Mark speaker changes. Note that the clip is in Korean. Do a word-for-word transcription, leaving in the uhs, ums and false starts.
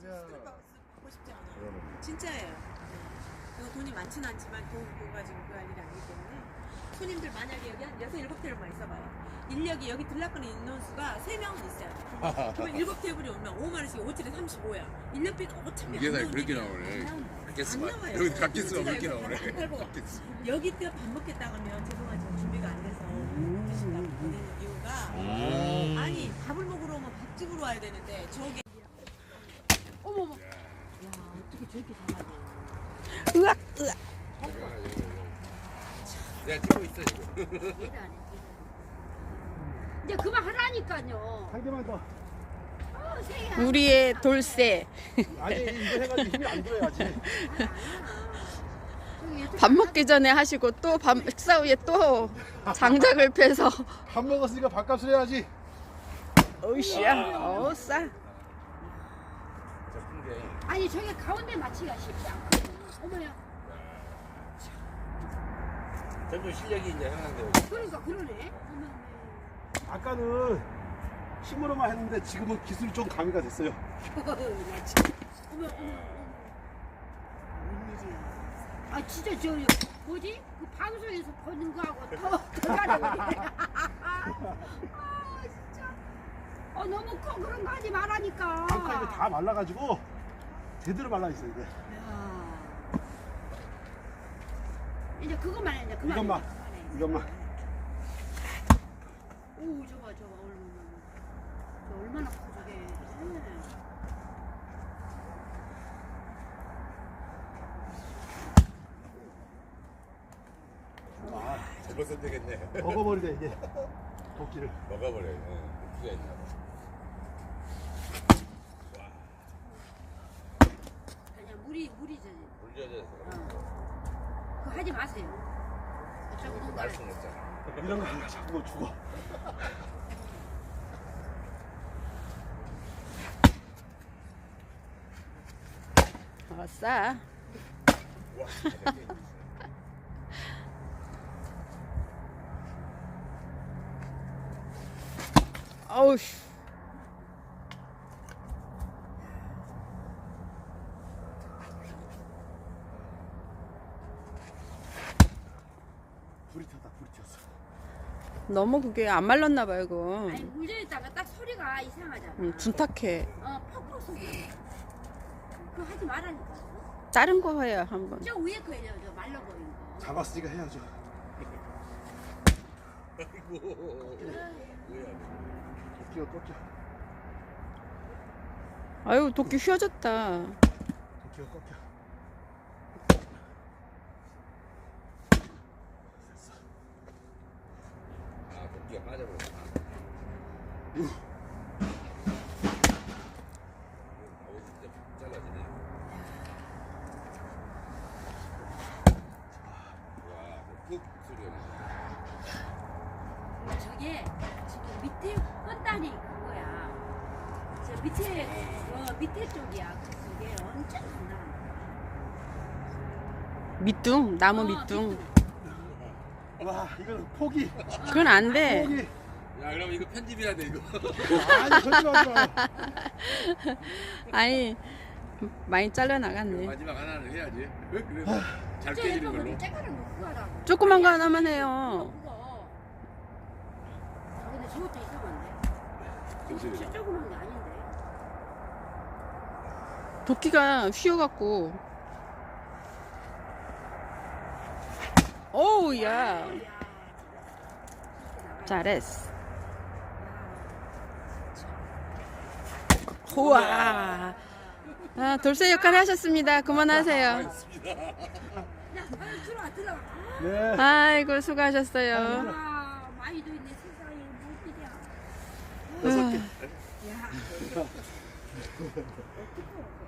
Speaker 1: 스트레스 받고 싶지 않아요. 진짜예요. 네. 이거 돈이 많지는 않지만 돈 그거 가지고 그 할 일이 아니기 때문에 손님들 만약에 여기 한 여섯 일곱 테이블만 있어봐요. 인력이 여기 들락거리는 인원수가 세 명은 있어요. 그러면 일곱 테이블이 오면 오만 원씩 오칠에 삼십오야. 인력비가 오천
Speaker 2: 이게 다 그렇게 나오네. 갓게스가
Speaker 1: 안 나와요.
Speaker 2: 여기 갓게스가 그렇게
Speaker 1: 진짜
Speaker 2: 나오네.
Speaker 1: 안 팔고
Speaker 2: 갓게스.
Speaker 1: 여기 때 밥 먹겠다 하면 죄송하지만 준비가 안 돼서 드신다고 보내는 이유가
Speaker 2: 아.
Speaker 1: 아니 밥을 먹으러 오면 밥집으로 와야 되는데 저게 어머머 야 어떻게 저렇게 잘하냐
Speaker 3: 으악 으악.
Speaker 2: 내가 찍고 있어 지금.
Speaker 4: 이제 그만하라니까요.
Speaker 5: 한 개만 더.
Speaker 4: 어, 세야.
Speaker 3: 우리의 돌쇠.
Speaker 5: 아니 이거 해가지고 힘이 안 들어야지.
Speaker 3: 밥 먹기 전에 하시고 또 밥 식사 후에 또 장작을 패서.
Speaker 5: 밥 먹었으니까 밥값을 해야지.
Speaker 3: 어우씨야. 어우 싸.
Speaker 2: 저큰 게.
Speaker 4: 아니 저게 가운데 맞추기가 쉽지 않거든요. 어머야.
Speaker 2: 점점 실력이 이제 향한데.
Speaker 4: 그러니까 그러네. 어머.
Speaker 5: 아까는 힘으로만 했는데 지금은 기술이 좀 가미가 됐어요.
Speaker 4: 어머 어머 어머. 웬일이야. 아 진짜 저 뭐지? 그 방송에서 보는 거하고 더더 다르네. 아 진짜. 어 너무 커 그런 거 하지 말라니까.
Speaker 5: 아까 이거 다 말라가지고 제대로 말라 있어요 이제.
Speaker 4: 야. 이제 그것만 해 이제 그만.
Speaker 5: 이것만.
Speaker 4: 해, 그만해.
Speaker 5: 이것만.
Speaker 4: 오 저거 저거 얼마나 저 얼마나 커 저게. 네.
Speaker 5: 아,
Speaker 2: 잘못 선택했네.
Speaker 5: 먹어버리네 이제 도끼를.
Speaker 2: 먹어버려. 응. 기가 있나 봐.
Speaker 4: 그냥 물이 물이 저.
Speaker 2: 물 젖어서.
Speaker 4: 어. 그거 하지 마세요. 어쩌고
Speaker 2: 그렇게
Speaker 4: 돈
Speaker 2: 말 수는 없잖아.
Speaker 5: 이런 거 하면 자꾸 뭐 죽어.
Speaker 3: 어 싸.
Speaker 2: 와.
Speaker 3: 어우.
Speaker 5: 불이 튀었다 불이 튀었어.
Speaker 3: 너무 그게 안 말랐나 봐요 이거.
Speaker 4: 아니 물져 있다가 딱 소리가 이상하잖아.
Speaker 3: 음, 둔탁해.
Speaker 4: 어 퍽퍽 소리. 그거 하지 말라니까.
Speaker 3: 자른 거 해요 한번.
Speaker 4: 저 위에 거 해요. 저 말라버린 거.
Speaker 5: 잡았으니까 해야죠.
Speaker 2: 아이고. 뭐야.
Speaker 5: 도끼가 꺾여.
Speaker 3: 아유 도끼 휘어졌다.
Speaker 5: 도끼가 꺾여.
Speaker 2: 아, 도끼가 빠져버렸다. 아우 진짜 잘라지네. 와, 푹 소리가
Speaker 4: 저게 지금 밑에 헛다리 그거야. 저 밑에 어 밑에 쪽이야. 그게 엄청 많아.
Speaker 3: 밑둥 나무
Speaker 4: 어,
Speaker 3: 밑둥.
Speaker 5: 와 이건 포기.
Speaker 3: 그건 안 돼.
Speaker 5: 포기.
Speaker 2: 야, 그럼 이거 편집해야 돼 이거.
Speaker 5: 아니 절대하지 마요.
Speaker 3: 아니 많이 잘려 나갔네.
Speaker 2: 마지막 하나는 해야지. 그래서 잘 깨지는 걸로.
Speaker 4: 째가는 거 그거 하라고.
Speaker 3: 조그만 거 하나만 해요.
Speaker 4: 그거. 아, 근데 저것도 이상한데.
Speaker 2: 정신이.
Speaker 4: 진짜 조그만 게 아닌데.
Speaker 3: 도끼가 휘어갖고. 오우 야. 잘했어. 우와. 아, 돌쇠 역할 하셨습니다. 그만하세요.
Speaker 4: 야, 빨리 들어와, 들어와.
Speaker 5: 네.
Speaker 3: 아이고 수고하셨어요.
Speaker 4: 아, 많이도 있네, 세상에. 뭐 일이야.
Speaker 5: 여섯 개.
Speaker 4: 야.